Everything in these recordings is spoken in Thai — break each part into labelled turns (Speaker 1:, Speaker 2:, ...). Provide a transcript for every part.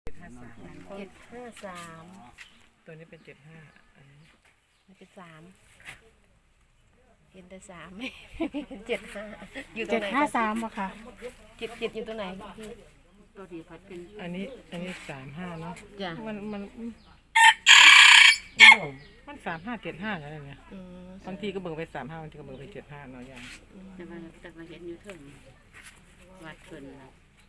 Speaker 1: 753
Speaker 2: ตัวนี้เป็น75อันนี้
Speaker 1: มันเป็น3เห็นแต่3ไม่เห็น75อยู่ตรงไหน
Speaker 3: 753บ่ค่ะ
Speaker 1: 7อยู่ตรงไหนพี่
Speaker 4: ตัวดีพัดเป็น
Speaker 2: อันนี้35เนาะ
Speaker 1: จ้ะ
Speaker 2: มัน3575อะไรเนี่ยบางทีก็เบิ่งไป35บางทีก็เบิ่งไป75เนาะอย่าง
Speaker 4: แต่มาเห็นอยู่เทิงวัดเพิ่นน่ะ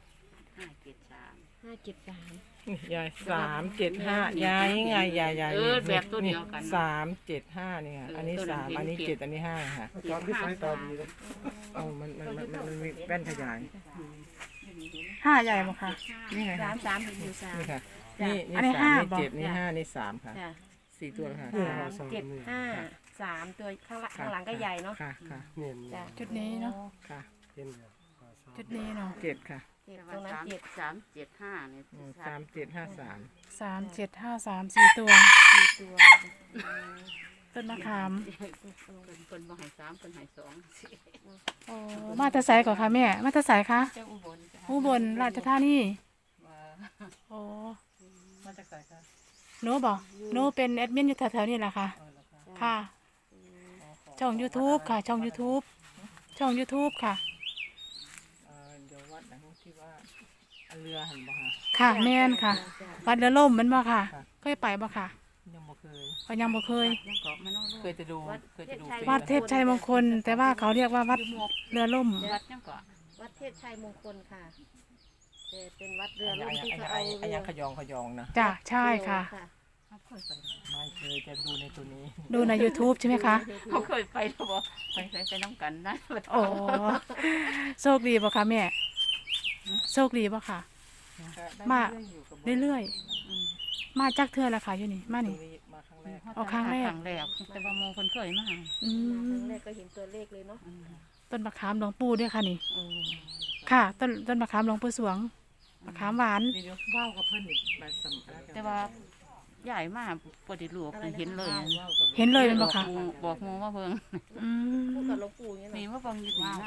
Speaker 4: 573
Speaker 2: ยาย375ยายไงยาย
Speaker 4: แบบตัวเดียวกัน
Speaker 2: 375เนี่ยอันนี้3อันนี้7อันนี้5ค่ะตอนที่สายตาดีเลยมันมีแว่นขยาย
Speaker 3: 5ใหญ่บ่ค่ะ
Speaker 2: นี่ไง
Speaker 1: 3เห็นอยู่3
Speaker 2: นี่ค่ะนี่3นี่7นี่5นี่3ค่ะ4ตัวค่ะ
Speaker 1: 753ตัวข้างหลังก็ใหญ่เนาะ
Speaker 2: ค่ะ
Speaker 3: จุดนี้เนาะ
Speaker 2: ค่ะ
Speaker 3: จุดนี้เนาะ
Speaker 2: 7ค่ะ
Speaker 1: ตรงนั้น
Speaker 4: 375เนี่ย
Speaker 2: 3753
Speaker 3: 3753 4ตัวต้นมะขาม
Speaker 4: เพิ่นบ่ให้3เพิ่นให้2
Speaker 3: โอ้มาแต่ไสก่อนค่ะแม่มาแต่ไสคะอุบลราชธานีโอ้
Speaker 2: มาจากไสคะ
Speaker 3: หนูบ่หนูเป็นแอดมินอยู่แถวๆนี้แหละค่ะค่ะช่อง YouTube ค่ะช่อง YouTube ค่ะ
Speaker 2: เดี๋ยววัดนะที่ว่าเรือหันบ่ค่ะ
Speaker 3: ค่ะแม่นค่ะวัดเรือล่มมันบ่ค่ะเคยไปบ่ค่ะ
Speaker 2: ยังบ่เคย
Speaker 3: ยังบ่เคย
Speaker 2: เคยจะดู
Speaker 3: วัดเทพชัยมงคลแต่ว่าเขาเรียกว่าวัดเรือล่ม
Speaker 4: วัดจังก่อ
Speaker 1: วัดเทพชัยมงคลค่ะแต่เป็นวัดเรือล่มที่เขาเอา
Speaker 2: อันยังขยองนะ
Speaker 3: จ้ะใช่ค่ะ
Speaker 2: ไม่เคยจะดูในตัวนี้
Speaker 3: ดูใน YouTube ใช่ไหมคะ
Speaker 4: เขาเคยไปแล้วบ่ไปน้ำกันนะ
Speaker 3: โอ้โชคดีบ่คะแม่โชคดีบ่ค่ะมาเรื่อยๆมาจักเทื่อละค่ะอยู่นี่มานี่
Speaker 2: ครั้งแรก
Speaker 4: แต่ว่าโมคนเคยมา
Speaker 1: ครั้งแรกก็เห็นตัวเลขเลยเนาะ
Speaker 3: ต้นมะขามหลวงปู่ด้วยค่ะนี่ค่ะต้นมะขามหลวงปู่สวงมะขามหวาน
Speaker 2: ว้าวกับเพิ่นนี่
Speaker 4: แต่ว่าใหญ่มากปฏิรูปเห็นเลย
Speaker 3: เป็นบ่ค่ะ
Speaker 4: บอกโมว่าเพิ่ง
Speaker 1: พูดกับหลวงปู่นี่
Speaker 4: นี่ว่าเพิ่งว้าว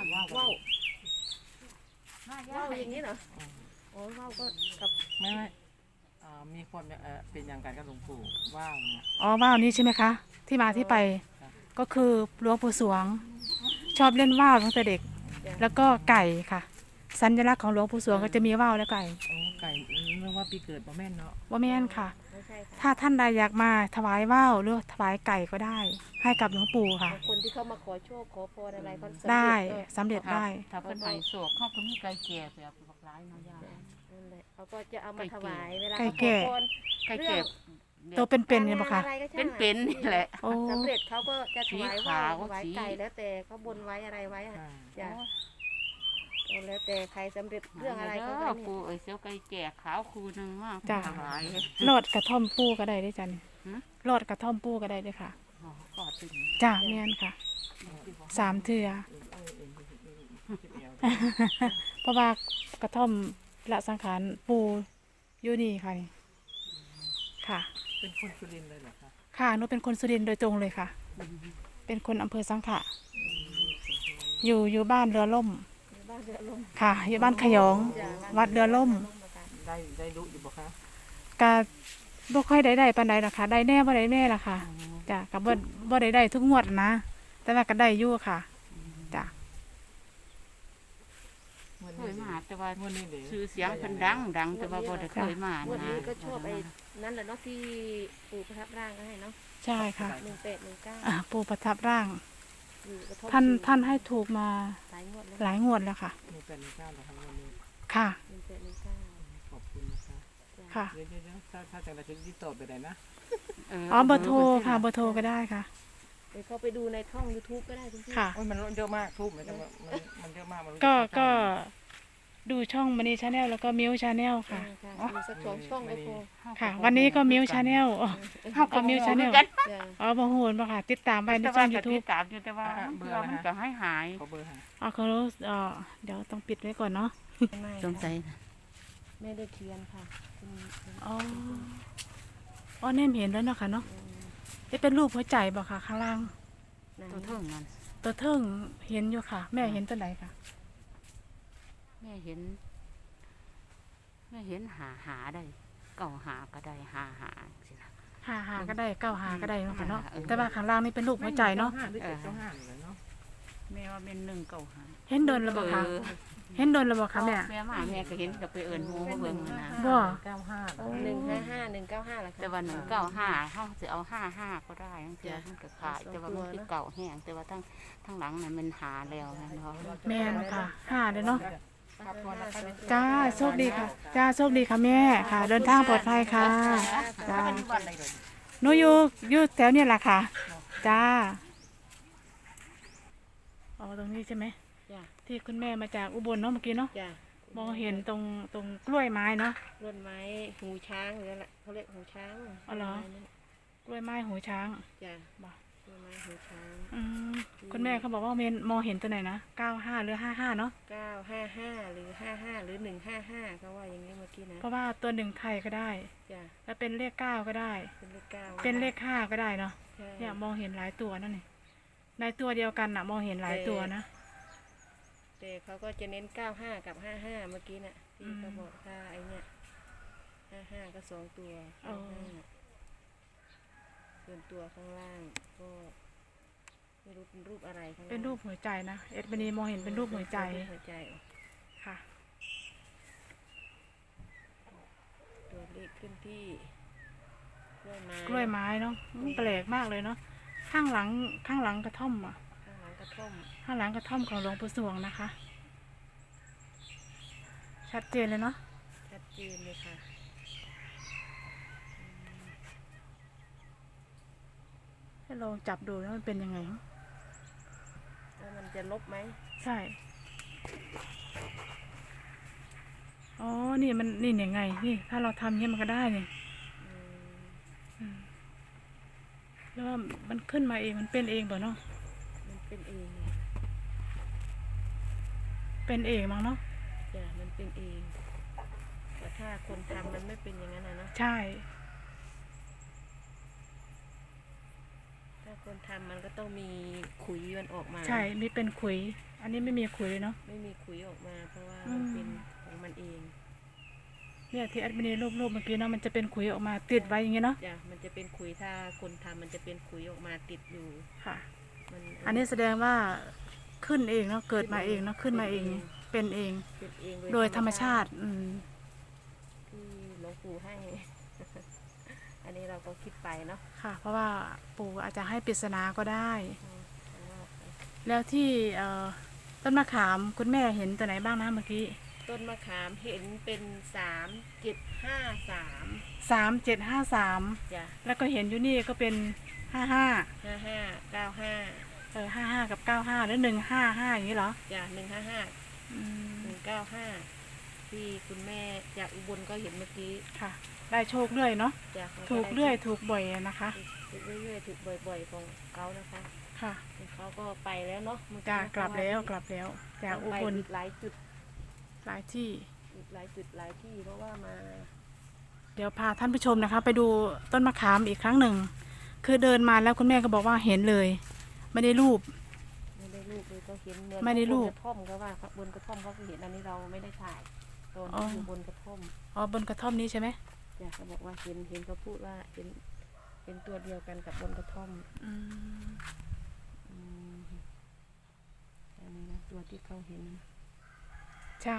Speaker 1: อย่างนี้เหรอโอ้ว้าวก็กับ
Speaker 2: ไม่มีคนเป็นอย่างกันกับหลวงปู่ว้าวเนี่ย
Speaker 3: ว้าวนี้ใช่ไหมคะที่มาที่ไปก็คือหลวงปู่สวงชอบเล่นว่าวตั้งแต่เด็กแล้วก็ไก่ค่ะสัญลักษณ์ของหลวงปู่สวงก็จะมีว่าวและไก่
Speaker 2: เรียกว่าปีเกิดบ่แม่นเนาะ
Speaker 3: บ่แม่นค่ะถ้าท่านใดอยากมาถวายว่าวหรือถวายไก่ก็ได้ให้กับหลวงปู่ค่ะ
Speaker 1: คนที่เข้ามาขอโชคขอพรอะไรก็
Speaker 3: ได้สำเร็จได้
Speaker 4: ถ้าเป็นไผ่โศกเขาก็มีไก่แก่แบบหลายนะย่า
Speaker 1: นั่นแหละเขาก็จะเอามาถวายเวลา
Speaker 3: ไก่แก่ตัวเป็นๆเนี่ยบ่คะ
Speaker 4: เป็นนี่แหละ
Speaker 1: สำเร็จเขาก็จะถวายว่าวถวายไก่แล้วแต่เขาบนไว้อะไรไว้จ้ะแล้วแต่ใครสำเร็จเรื่องอะไรก็ได้
Speaker 4: ปูเสียวไก่แก่ขาวคูนึงมาก
Speaker 3: ถวายรอดกระท่อมปูก็ได้ด้วยจ้ะนี่รอดกระท่อมปูก็ได้ด้วยค่ะจ้ะแม่นค่ะ3เทื่อเพราะว่ากระท่อมละสังขารปูอยู่นี่ค่ะนี่ค่ะ
Speaker 2: เป็นคนสุรินทร์เลยเหรอคะ
Speaker 3: ค่ะหนูเป็นคนสุรินทร์โดยตรงเลยค่ะเป็นคนอำเภอสังขะอยู่บ้านเรือล่มค่ะอยู่บ้านขยองวัดเรือล่ม
Speaker 2: ได้รู้อยู่บ่คะ
Speaker 3: กะบ่ค่อยได้ปานใดหรอกค่ะได้แน่บ่ได้แน่ล่ะค่ะจ้ะก็บ่ได้ทุกงวดนะแต่ว่าก็ได้อยู่ค่ะจ้ะ
Speaker 4: เคยมาแต่ว่าชื่อเสียงเพิ่นดังแต่ว่าบ่ได้เคยมา
Speaker 1: วันนี้ก็ชอบไอ้นั่นแหละเนาะที่ปู่ประทับร่างก็ให้เนาะ
Speaker 3: ใช่ค่ะ
Speaker 1: 1819
Speaker 3: ปู่ประทับร่างท่านให้ถูกมาหลายงวดแล้วค่ะค่ะ
Speaker 2: ขอบคุณนะคะ
Speaker 3: ค่ะ
Speaker 2: ถ้าจังไรถึงที่ตอบไปได้นะ
Speaker 3: เบอร์โทรค่ะเบอร์โทรก็ได้ค่ะ
Speaker 1: เขาไปดูในช่อง YouTube ก็ได้ทุกที่
Speaker 3: ค่ะ
Speaker 2: มันเยอะมากทุบมันเยอะมาก
Speaker 3: ก็ดูช่องMani Channel แล้วก็Miu Channel ค่ะ
Speaker 1: สัก2ช่องก็พอ
Speaker 3: ค่ะวันนี้ก็Miu Channelก็Miu Channel บ่ฮู้บ่ค่ะติดตามไว้ในช่อง YouTube
Speaker 4: ติดตามอยู่แต่ว่าเบื่อมันก็หาย
Speaker 2: ขอเบอร์หา
Speaker 3: เขาเดี๋ยวต้องปิดไว้ก่อนเนาะ
Speaker 4: สงสัย
Speaker 1: ไม่ได้เขียนค่ะ
Speaker 3: แนมเห็นแล้วเนาะค่ะเนาะเป็นรูปหัวใจบ่ค่ะข้างล่าง
Speaker 4: ตัวเทิงนั่น
Speaker 3: ตัวเทิงเห็นอยู่ค่ะแม่เห็นตัวไหนค่ะ
Speaker 4: แม่เห็นหาได้เก่าหาก็ได้หาสิล่ะ
Speaker 3: หาก็ได้9 หาก็ได้เนาะค่ะเนาะ
Speaker 4: เออ
Speaker 3: แต่ว่าข้างล่างนี่เป็นรูปหัวใจเนาะ
Speaker 2: หรือ795เลยเนาะ
Speaker 4: แม่ว่าเป็น1เก่าหา
Speaker 3: เห็นโดนระบ่คะเห็นโดนระบ่คะแม่
Speaker 4: แม่มาแม่ก็เห็นก็ไปเอิ้นหมู่มาเบิ่งนะ
Speaker 3: บ่
Speaker 2: 95
Speaker 1: 155 195ล่ะค่ะ
Speaker 4: แต่ว่า195เฮาสิเอา55ก็ได้จังซี่มันก็ขายแต่ว่ามันคือเก่าแห้งแต่ว่าทั้งหลังนั้นมันหาแล้วนะเนาะ
Speaker 3: แม่นค่ะ5เลยเนาะ
Speaker 2: ครับพอแล้วค่ะ
Speaker 3: จ้าโชคดีค่ะจ้าโชคดีค่ะแม่ค่ะ เดินทางปลอดภัยค่ะจ้าหนูอยู่แถวเนี่ยแหละค่ะจ้าอ๋อตรงนี้ใช่ไหม
Speaker 1: จ้ะ
Speaker 3: ที่คุณแม่มาจากอุบลเนาะเมื่อกี้เนาะ
Speaker 1: จ้ะ
Speaker 3: มองเห็นตรงกล้วยไม้เนาะ
Speaker 1: ต้นไม้หูช้างหรืออะไรเขาเรียกหูช้าง
Speaker 3: อ๋อเหรอ กล้วยไม้หูช้าง
Speaker 1: จ้ะ
Speaker 3: บ่
Speaker 1: ต้นไม้หูช้าง
Speaker 3: อืมคุณแม่เขาบอกว่ามองเห็นตัวไหนนะ95หรือ55เนาะ
Speaker 1: 955หรือ55หรือ155เขาว่าอย่างนี้เมื่อกี้นะ
Speaker 3: เพราะว่าตัวหนึ่งไทยก็ได้
Speaker 1: จ้ะ
Speaker 3: แล้วเป็นเลข9ก็ได้
Speaker 1: เป็นเลข9
Speaker 3: เป็นเลข5ก็ได้เนาะ
Speaker 1: ใช่
Speaker 3: เนี่ยมองเห็นหลายตัวนั่นนี่ในตัวเดียวกันน่ะ มองเห็นหลายตัวนะ
Speaker 1: แต่เขาก็จะเน้น95กับ55เมื่อกี้น่ะที่เขาบอกถ้าไอเนี้ย55ก็2ตัว
Speaker 3: อ๋อ
Speaker 1: 55ส่วนตัวข้างล่างก็ไม่รู้เป็นรูปอะไรข้างล่าง
Speaker 3: เป็นรูปหัวใจนะเอ็ดบันีมองเห็นเป็นรูปหัวใจ
Speaker 1: เป็นรูปหัวใจ
Speaker 3: ค่ะ
Speaker 1: ตัวเลขขึ้นที่กล้วยไม้
Speaker 3: กล้วยไม้เนาะแปลกมากเลยเนาะข้างหลังกระท่อมอ่ะ
Speaker 1: ข้างหลังกระท่อม
Speaker 3: ข้างหลังกระท่อมของหลวงปู่สวงนะคะ ชัดเจนเลยเนาะ
Speaker 1: ชัดเจนเลยค่ะ
Speaker 3: ให้ลองจับดูแล้วมันเป็นยังไง
Speaker 1: แล้วมันจะลบไหม
Speaker 3: ใช่อ๋อนี่มันนี่ยังไงนี่ถ้าเราทำอย่างนี้มันก็ได้นี่
Speaker 1: อืม
Speaker 3: อืมแล้วว่ามันขึ้นมาเองมันเป็นเองเปล่าเนาะ
Speaker 1: มันเป็นเอง
Speaker 3: เป็นเองมั้งเนาะ
Speaker 1: จ้ะมันเป็นเองแต่ถ้าคนทำมันไม่เป็นอย่างนั้นนะเนาะ
Speaker 3: ใช่
Speaker 1: ถ้าคนทำมันก็ต้องมีขุยมันออกมา
Speaker 3: ใช่มีเป็นขุย อันนี้ไม่มีขุยเลยเนาะ
Speaker 1: ไม่มีขุยออกมา เพราะว่า
Speaker 3: อืม
Speaker 1: มันเป็นของมันเอง
Speaker 3: เนี่ยที่แอดมินรูปเมื่อกี้เนาะมันจะเป็นขุยออกมาติดไว้อย่างเงี้ยเนาะ
Speaker 1: จ้ะมันจะเป็นขุยถ้าคนทำมันจะเป็นขุยออกมาติดอยู่
Speaker 3: ค่ะ
Speaker 1: มัน
Speaker 3: อันนี้แสดงว่าขึ้นเองเนาะเกิดมาเองเนาะขึ้นมาเอง เป็นเอง
Speaker 1: เป็นเอง
Speaker 3: โดยธรรมชาติ
Speaker 1: ที่หลวงปู่ให้ อันนี้เราก็คิดไปเนาะ
Speaker 3: ค่ะ เพราะว่าปู่อาจจะให้ปริศนาก็ได้
Speaker 1: แต่ว่า
Speaker 3: แล้วที่ต้นมะขามคุณแม่เห็นตัวไหนบ้างนะเมื่อกี้
Speaker 1: ต้นมะขามเห็นเป็น3753
Speaker 3: 3753
Speaker 1: จ้ะ
Speaker 3: แล้วก็เห็นอยู่นี่ก็เป็น55
Speaker 1: 5595
Speaker 3: 55กับ95หรือ155อย่างนี้เหรอ
Speaker 1: จ้ะ155
Speaker 3: อืม
Speaker 1: 195ที่คุณแม่จากอุบลก็เห็นเมื่อกี้
Speaker 3: ค่ะ ได้โชคเรื่อยเนาะ
Speaker 1: จ้ะ
Speaker 3: ถูกเรื่อยถูกบ่อยนะคะ
Speaker 1: ถูกเรื่อยๆถูกบ่อยๆของเขานะคะ
Speaker 3: ค่ะ
Speaker 1: เขาก็ไปแล้วเนาะเมื่อ
Speaker 3: จ้า
Speaker 1: นะคะ
Speaker 3: กลับแล้วจากอุ
Speaker 1: ไป
Speaker 3: บล
Speaker 1: อีกหลายจุด
Speaker 3: หลายที่
Speaker 1: อีกหลายจุดหลายที่เพราะว่ามา
Speaker 3: เดี๋ยวพาท่านผู้ชมนะคะ ไปดูต้นมะขามอีกครั้งหนึ่ง คือเดินมาแล้วคุณแม่ก็บอกว่าเห็นเลย ไม่ได้รูป
Speaker 1: ไม่ได้รูปเลยก็เห็นเหมือน
Speaker 3: ไม่ได้รูป
Speaker 1: บนกระท่อมเขาว่าบนกระท่อมเขาก็เห็นอันนี้เราไม่ได้ถ่ายตอน
Speaker 3: อ๋อ
Speaker 1: ที่อยู่บนกระท่อม
Speaker 3: อ๋อบนกระท่อมนี้ใช่ไหม
Speaker 1: จ้ะเขาบอกว่าเห็นเขาพูดว่าเป็นตัวเดียวกันกับบนกระท่อม
Speaker 3: อืม
Speaker 1: อืมอันนี้นะตัวที่เขาเห็น
Speaker 3: ใช่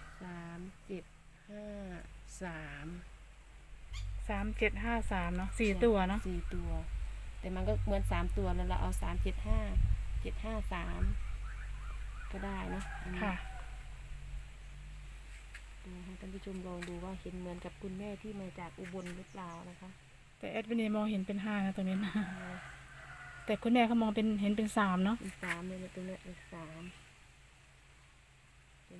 Speaker 1: 3753
Speaker 3: 3753เนาะ4ตัวเนาะ
Speaker 1: 4 ตัว แต่มันก็เหมือน3 ตัวแล้วเราเอา375753ก็ได้เนาะอันนี้
Speaker 3: ค่ะ
Speaker 1: ดูให้ท่านผู้ชมลองดูว่าเห็นเหมือนกับคุณแม่ที่มาจากอุบลหรือเปล่านะคะ
Speaker 3: แต่แอดมินมองเห็นเป็น5นะตรงนี้นะ แต่คุณแม่เขามองเห็นเป็น3เนาะ
Speaker 1: เป็น3เลยนะตรงเนี้ยเป็น3เป็น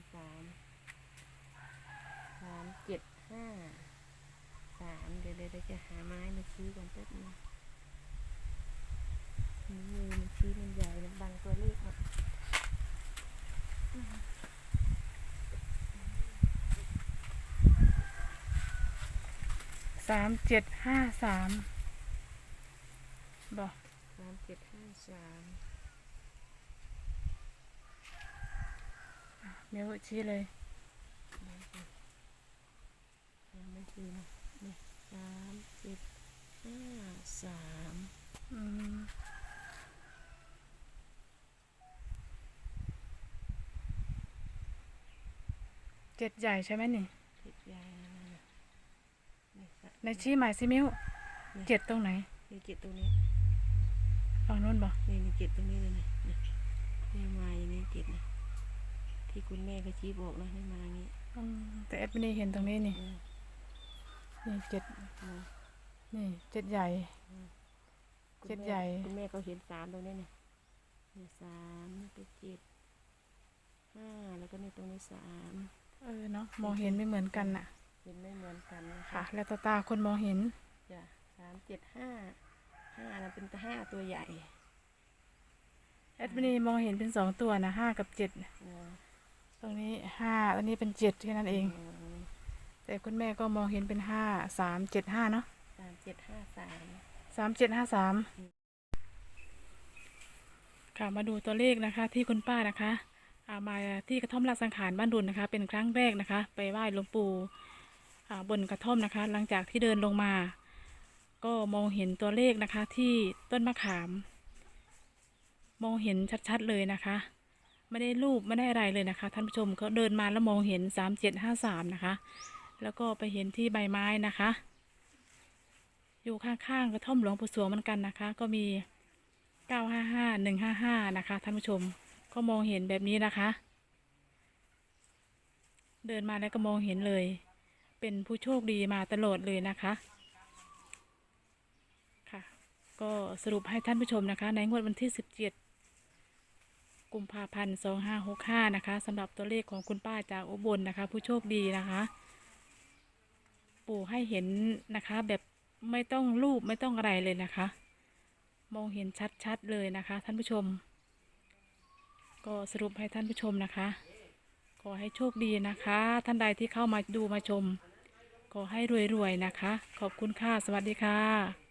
Speaker 1: 3753เดี๋ยวจะหาไม้มาชี้กันแป๊บนึงมือมันชี้มันใหญ่มันบังตัวเลขหมด
Speaker 3: 3753บอก
Speaker 1: 3753
Speaker 3: เดี๋ยวชี้เลย
Speaker 1: ยังไม่ชี้นะ 3 7 5 3
Speaker 3: อืมเจ็ดใหญ่ใช่ไหมนี่
Speaker 1: 7ใหญ่นั่นน่ะนี่ค่ะ
Speaker 3: ในชี้หมายซิมิ้วเจ็ดตรงไหน
Speaker 1: นี่7ตรงนี้
Speaker 3: ฝั่งนู้นบ่
Speaker 1: นี่7ตรงนี้เลยนี่มาอย่างนี้7นะที่คุณแม่เขาชี้บอกนะให้มาอย่างนี้
Speaker 3: อืมแต่แอดมินเห็นตรงนี้นี่
Speaker 1: อืม
Speaker 3: นี่เจ็ด
Speaker 1: อืม
Speaker 3: นี่เจ็ดใหญ่
Speaker 1: คุณ
Speaker 3: เจ็ด
Speaker 1: แม่
Speaker 3: ใหญ่
Speaker 1: คุณแม่เขาเห็น3ตรงนี้นี่3นี่ก็7 5แล้วก็นี่ตรงนี้3
Speaker 3: เนาะมองเห็นไม่เหมือนกันน่ะ
Speaker 1: เห็นไม่เหมือนกันนะ
Speaker 3: ค่ะ แล้วตาคนมองเห็น
Speaker 1: จ้ะ3 7 5นั้นเป็น5ตัวใหญ่
Speaker 3: แอดมินมองเห็นเป็น2ตัวนะ5กับ7
Speaker 1: นะ
Speaker 3: ตรงนี้5ตรงนี้เป็น7แค่นั้นเอง แต่คุณแม่ก็มองเห็นเป็น5 3 7 5เนาะ
Speaker 1: 3 7 5 3
Speaker 3: 3 7 5 3ค่ะมาดูตัวเลขนะคะ ที่คุณป้านะคะมาที่กระท่อมราชสังขารบ้านดุลนะคะ เป็นครั้งแรกนะคะ ไปไหว้หลวงปู่บนกระท่อมนะคะ หลังจากที่เดินลงมา ก็มองเห็นตัวเลขนะคะ ที่ต้นมะขาม มองเห็นชัดๆเลยนะคะ ไม่ได้รูปไม่ได้อะไรเลยนะคะท่านผู้ชมเขาเดินมาแล้วมองเห็น3753นะคะ แล้วก็ไปเห็นที่ใบไม้นะคะ อยู่ข้างๆกระท่อมหลวงปู่สวงเหมือนกันนะคะ ก็มี955 155นะคะท่านผู้ชมก็มองเห็นแบบนี้นะคะ เดินมาแล้วก็มองเห็นเลย เป็นผู้โชคดีมาตลอดเลยนะคะค่ะ ก็สรุปให้ท่านผู้ชมนะคะ ในงวดวันที่17 กุมภาพันธ์ 2565นะคะสำหรับตัวเลขของคุณป้าจากอุบลนะคะ ผู้โชคดีนะคะ ปู่ให้เห็นนะคะแบบไม่ต้องรูปไม่ต้องอะไรเลยนะคะ มองเห็นชัดๆเลยนะคะท่านผู้ชม ก็สรุปให้ท่านผู้ชมนะคะ ขอให้โชคดีนะคะ ท่านใดที่เข้ามาดูมาชม ขอให้รวยๆนะคะ ขอบคุณค่ะ สวัสดีค่ะ